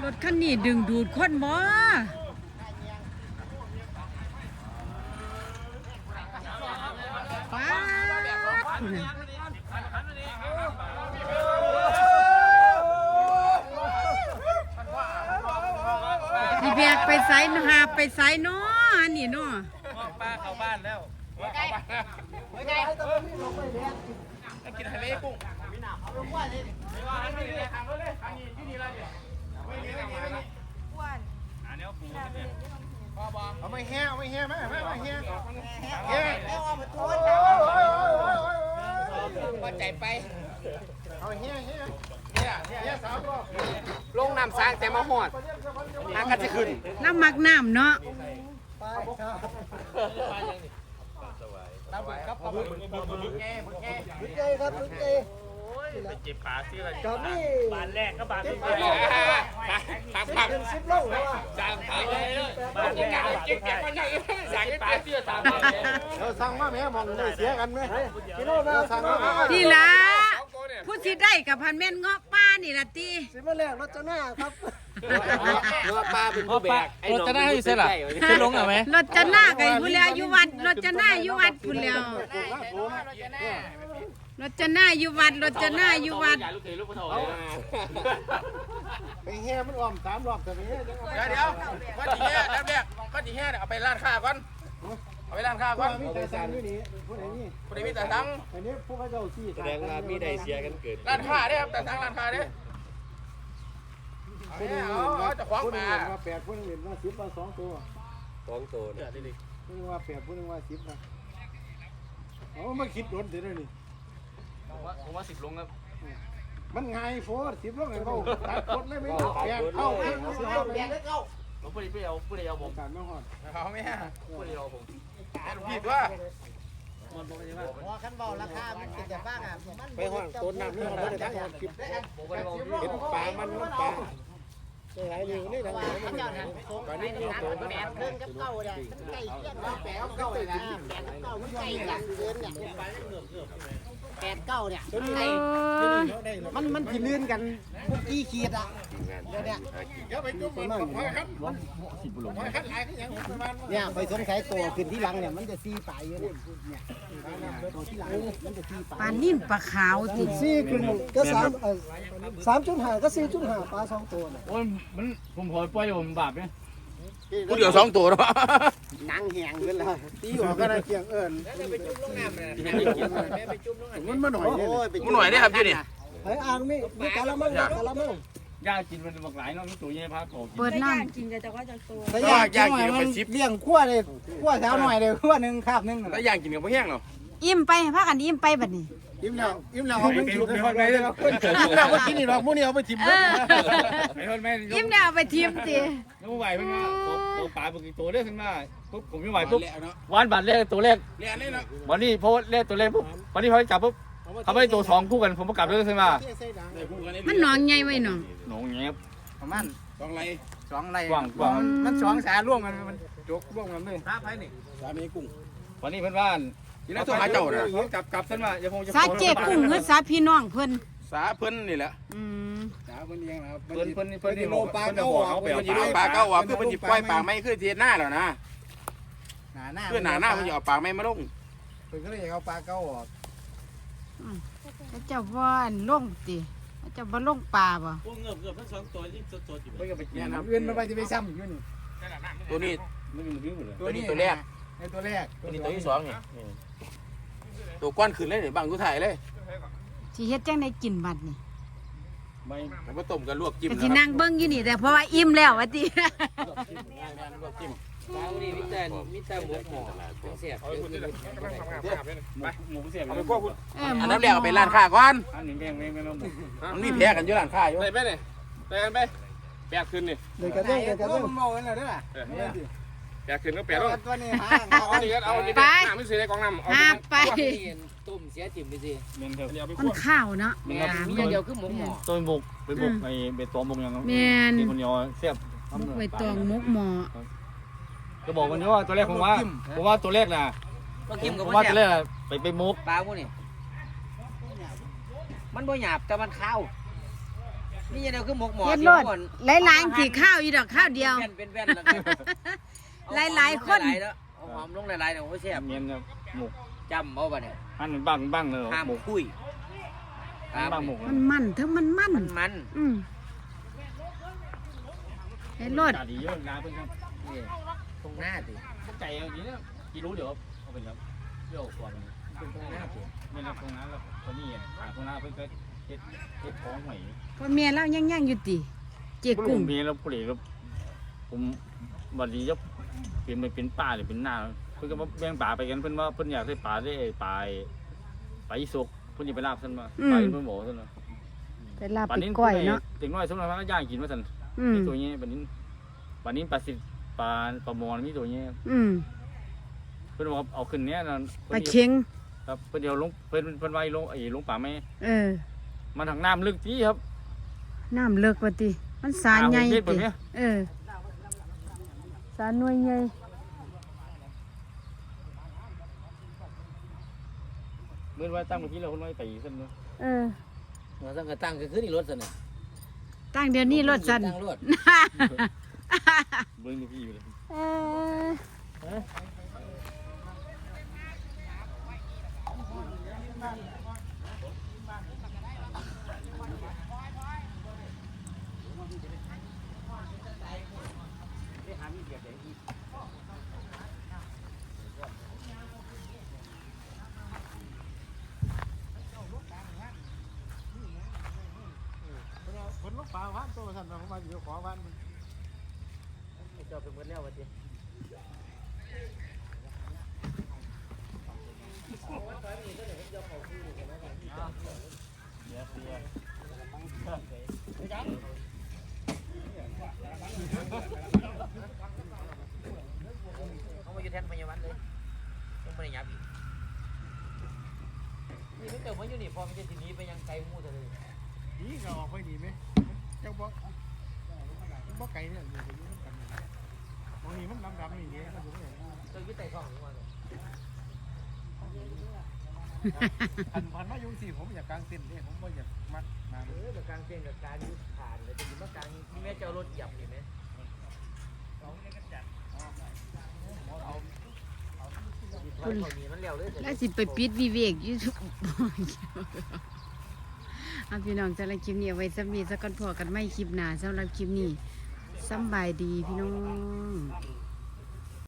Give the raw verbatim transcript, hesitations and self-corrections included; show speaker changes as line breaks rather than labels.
ถคันนี้ดึงดูดคนบ่ป้าพี่แบกไปไสหาไปไสเนาะอันนี้เนาะ
ป้าเข้าบ้านแล้วไงไงกินทะเลกุ้งมีหนามเอาลงว่าเลยไม่ว่าไม่เลยทางเลยทางนี้ที่นี่ละเนี่ยไม่เงี้ยไม่เงี้ยไม่เงี้ยอ้วนอันนี้ปูเนี่ยเอาไม่แห้เอาไม่แห้ไหมไม่ไม่แห้แห้เอามาตัวก็ใจไปเอาแห้แห้เนี่ยเนี่ยสามรอบลงน้ำสร้างแต่มาหอดน้ำก็จะขึ้น
น้ำมักน้ำเนาะ
ตาบุกครับตาบุกบุกบุกบุกแง่บุกแง่บุกแง่ครับบุกแง่ไปเจ็บปากที่อะไรกับนี่บานแรกก็บานที่แรกปากปากสิบโลแล้วอ่ะสามปากเลยบานแรกเจ็บแก่มันใหญ่สั่งปากเตี้ยสามปากเราสั่งมาแม่มองเลยเสียกันไหมกิโลนะสั่งมา
นี่ล่ะผู้ที่ได้กับพันเม่นเงาะป้านี่ล่ะตี
สิมาแรกรถจะหน้าครับ
เงาะป้าเป็นผู้แบก
รถจะหน้าอยู่เสร็จหรอจะลงไหม
รถจะหน้าไก่ผู้แล้วอยู่วัดรถจะหน้าอยู่วัดผู้แล้วรถจะหน้าอยู่วัดรถจะหน้าอยู่วัด
ไปแห่มันอ้อมสามรอบแต่ไปแห่
เดี๋ยวเดี๋ยวก้อนจีแห่แรกแรกก้อนจีแห่เนี่ยเอาไปร้านค้าก่อนเอาไปร้านค้าก่อน
มีแต่สั่งด้วยนี่ผู้ใดนี่
ผู้ใดมีแต่สั่ง
อันนี้พวกเขาเจ้าขี้
แสดงว่ามีได้เสียกันเกิด
ร้านค้าเนี่ยครับแต่สั่งร้านค้าเนี่ยเอาจะคว้างมา
ว่าแปดผู้นึงเห็นว่าสิบว่าสองตัว
สองตัวเนี่ย
ผู้นึงว่าแปดผู้นึงว่าสิบนะเอามาคิดรถเดี๋ยวนี้
ผมว่าผมว่าสิบลงครับ
มันไงโฟร์สิบลงไงเขาตัดรถเลยไม่แปดเข้าแปดเข้า
ผมผู้ใดผู้ใดเอาผู้ใดเอาผม
การไม่หอด
เขาไม่ฮะผู้ใดเอาผมแอนผิดว่า
พอขั้นเบาราคามันติดจากบ้างอ่ะไปห้องต้นน้ำนี่เขาไม่ได้ตั้งหคิดเห็นปลามันน้ำปลาใช่ไหมอยู่นี่ทางไหนมันตอนนี้มีตัวแปดเพิ่งกับเก่าเนี่ยไก่เกี้ยนแปดเก่าเลยนะแปดเก่ามันไก่กันเกินเนี่ยแปดเก้าเนี่ยมันมันขีดลื่นกันพวกกี่ขีดอ่ะเดี๋ยวเนี่ย
เดี๋ยวไปจุ่มมันพอครับพอครับหลายที่ยังประมาณ
เนี่ยไปสงสัยตัวขึ้นที่หลังเนี่ยมันจะซีปลายอยู่เนี่ยตัวที่หลังมันจะซีปลาย
ปลานิ่มปลาขาวติ
ซีขึ้นก็สามสามจุดห้าก็สี่จุดห้าปลาสองตัว
โอ้ยมันผมพอปล่อยผมบาปเนี่ย
กูเดี๋ยวสองตัวแล้ว
นั่งแหงกันแล้วตีหัวก็ได้เกียงเอิญ
ไปจุ่มลงน้ำเลยไปจุ่มลงน้ำ
มันมาหน่อย
มันหน่อยได้ครับพี่นี่
ไอ้อ่างนี่มีกะละมังกะละมัง
ย่ากินมันบักหลายเนาะมีตัวใหญ่พาโต
เปิดน้
ำกินกันแต่ว่าจะตัว
แต่ย่างกินมันเลี้ยงขั้วเลยขั้วเช้าหน่อยเลยขั้วหนึ่งคาบหนึ่ง
แล้วย่างกินกับพวกแห้งเนาะ
อิ่มไปพากันอิ่มไปบัดนี้
อิ่มแล้วอิ่มแล้วเอาไปทิ้งไปคนไปเลยเราคนอิ่มแล้วว่ากินนี่หรอกมื้อนี้เอาไปทิ้ง
ไปคนแม่
อิ่มแล้วเอาไปทิ้งสิ
แล้วไหวเพิ่งมาผมปลาปกติตัวเล็กขึ้นมาปุ๊บผมไม่ไหวปุ๊บวันบัตรแรกตัวแรกวันนี้เพราะแรกตัวแรกปุ๊บวันนี้พอจับปุ๊บเขาไม่ตัวสองคู่กันผมประกาศเลยขึ้นมา
มันหนองใหญ่ไว้หนอง
หนองเงี้ย
ประมาณ
สองไร
สองไร
กว้างกว้าง
มันสองสาร่วมกันมันจกร่วมกันเลย
พระไผ่นี่สามีกุ้ง
วันนี้เพื่อนบ้าน
ที่นั่นตัวหาเจ้าเนี่ย
กลับกลับขึ้นมาอย่าพงจะ
สาเจ็บกุ้งหรือสาพี่น้องเพิ่น
สาเพิ่นนี่แหละ
อืม
สาเพิ่นเองนะครับ
เพิ่นเพิ่นเพิ่นนี่
โลปลาเก้า
เอาไปเอาปลาเก้าอ่ะคือมันจิบปล่อยปลาไม่คือเทียนหน้าแล้วนะ
หนาหน้า
คือหนาหน้ามันจะเอาปลาไม่มาลง
เพิ่นก็เลยเอาปลาเก้าออก
เจ้าว่านล่งติเจ้าบ่ล่งปลาบ่
พวกเงือบเงือบทั้งสองตัวที่สดๆอยู่
เพิ่นก็ไปกินน้ำอื่นมันไปจะไปซ้ำอยู่นี่
ตัวนี้ตัวนี้ตัวแรก
ไอ้ตัวแรก
ตัวนี้ตัวที่สองนี่ตัวก้อนขึ้นเลยเดี๋ยวบังกูถ่ายเลย
สิเฮ็ดจังได้กินบัดนี่
ไม่ผมก็ต้มกันลวกจิ้ม
สินั่งเบิ่งอยู่นี่แต่เพราะว่าอิ่มแล้วว่าติ
ลวกจิ้ม
ปลาวันนี้มิแต่มิแต่หมูหมูเสียบหมูเสียบ
เอาไปพวกคุณอันนั้นแล้วไปร้านค้าก่อน
อันนี้แม่งแม่งแม่งหมู
มันมีแพ้กันอยู่ร้านค้าอยู่
ไปไปเลยไปกันไปแปดคืนนี่
เดี๋ยวกันเดี๋ยวกันเดี๋ยวเมากันเลยเด้อ
แปดคืนก็แปดแล้ว
ตัวนี้ฮะ
เอาอันนี้ก็เอาอันนี้ไปน้ำไม่เสียในกองน้ำเอา
ไป
ต้มเสียจิ้มไปสิ
มันข้าวเนาะ
มีอย่างเดียวคือหมูหม้อต้นบุกไปบุกไอ้เบ็ดตัวบุกอย่างนั้นที่คนยอเสียบ
บุกไปตองมุกหม้อ
ก็บอกวันนี้ว่าตัวแรกผมว่าผมว่าตัวแรกนะผมว่าตัวแรกไปไปมุก
ปลาพวกนี้มันบ่หยาบแต่มันข้าว
นี่ยังไงคือหมกหมอ
เฮ็ดรถหลายๆสิข้าวอีดอกข้าวเดียว
เป็นแว่นแล้ว
หลายๆคน
เอาหอมลงหลายๆเดี๋ยวเขาแซ่บ
เมียนครับหมก
จำเอาป่ะเนี่ย
อันบ้างบ้างเลย
ห้าม
หมก
คุย
อันบ้างหมก
มันมันเทั้งมันมัน
มันมัน
อืมเฮ็ดรถ
จ่าดีเยอะนะเพื่อนครับ
นี่ตรงหน้าสิ
ใจอย่างนี้นะกี่รู้เดี๋ยวเอาไปครับเดี๋ยวก่อน
เป็นตรงหน้าสิ
ไม่รับตรงนั้นแล้วตอนนี้หาตรงนั้นเพื่อนก็เฮ็ดเฮ็ดท้องหอย
พ่อเมียเรายังยังอยู่ติเจ๊
กุ้
กุ้
ง
ง
เมียแล้วผู้เลี้ยงผมบัดนี้จะเปลี่ยนไปเป็นป่าหรือเป็นหน้าเพื่อนก็มาแบ่งป่าไปกันเพื่อนว่าเพื่อนอยากได้ป่าได้ป่าป่าอีสุกเพื่อนอยากไปลาบท่านมาไปเพื่อนบอกท่านว่า
ไปลาบไปก้อยเนาะ
ถึงน้อยสมมติว่าย่างกินมาท่าน
อืม
มีตัวนี้บัดนี้บัดนี้ปลาสิปลาปลามอนมีตัวนี้
อืม
เพื่อนบอกเอาขึ้นเนี้ยนั่น
ปลาเค็ง
ครับเพื่อนเดียวลงเพื่อนเพื่อนไว้ลงไอ้ลงป่าไม่
เออ
มันทางน้ำลึกที่ครับ
น้ำเลิกว่าติมันสารใหญ่
อ่าผมเฮ็ดแบ
ติ
บเนี้ย
เออสารหน่วยใหญ่
เมื่อว่าตั้งเมื่อกี้เราคนน้อยไปอีกเส้นเนาะ
เออ
เราต้องกระตั้งก็คือนี่รถสินะ
ตั้งเดี๋ยวนี้รถสั่น
ตั้งรถ
เบิ้งลูกพี่อยู่เลย
เออ
คนลูกปลาว่านตัวสั่นมาผมมาอยู่ขอว่าน
เจ้าเป็นเมื่อแล้ววะจี
เดี๋ยวเสีย
เขามาอยู่แทนพยาบาลเลยต้องไปยับอีกนี่ถ้าเกิดว่าอยู่นี่พอมันจะทีนี้ไปยังไกลมู่เลย
นี่ก็ออกไปดีไหมเจ้าบอกบอกไก่เนี่ยอยู่ตรงนี้กันบางทีมันดำดำอย่างเงี้ยมันอยู่ไม่เห็น
เจ้ายึดไต่ท้องหรือว่า
พันพันมาอยู่สี่ผมอยากกางเต็นท์เนี่ยผมก็อยากมัดมา
เออกับการเต้นกับการยุดผ่านเลยจะอยู่มากลางนี่แม่เจ้ารถหยับเห็นไหม
คุณ
เขามีมันเร็วเลย
แล้วสิไปปิดวิเวกอยู่ทุก เอาพี่น้องสำหรับคลิปนี้เอาไว้สำนีสักก่อนพอกันไม่คลิปหน้าสำหรับคลิปนี้สำบายดีพี่น้อง